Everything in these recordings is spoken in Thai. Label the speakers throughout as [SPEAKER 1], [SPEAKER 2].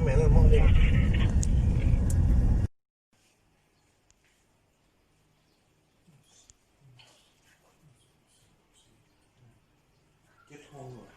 [SPEAKER 1] ม่เลยมองดิเก็บห้องเหรอ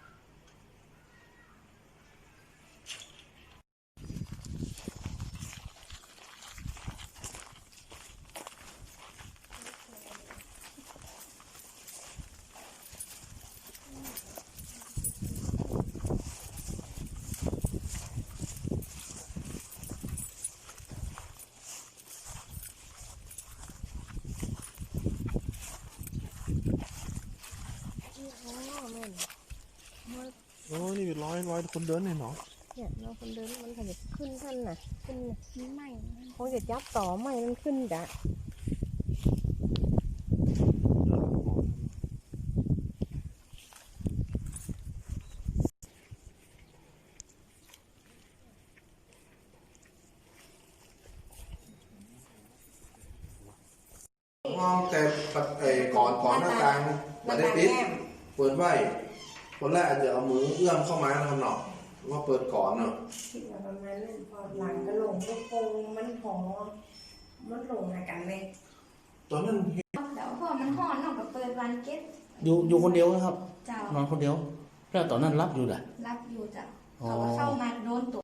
[SPEAKER 1] โอ้นี่เป็นร้อยคนเดินเนี่ยเนาะ
[SPEAKER 2] เนี่ยเราคนเดินมันขยับขึ้นท่านน่ะขึ้นไม่คงจะจับต่อไม่มันขึ้นจ้ะ
[SPEAKER 1] มองแต่ก่อนหน้าต่างมาได้ปิดเปิดไว้คนแรกอาจจะเอามือเอื้อมเข้ามาทำหนอกว่าเปิดก่อนเนาะ
[SPEAKER 2] คิดว่าประมาณนั้นพอหลังก็ลงก็คงมันหอมันลงในกันเลย
[SPEAKER 1] ตอนนั้น
[SPEAKER 3] แล้วพอมันห่อนเนาะก็เปิดวันเก็ต
[SPEAKER 4] อยู่คนเดียวนะครับ
[SPEAKER 3] เจ้าน
[SPEAKER 4] อนคนเดียวแล้วตอนนั้นรับอยู่แหละ
[SPEAKER 3] รับอยู่เจ้าเขาเข้ามาโดนตัว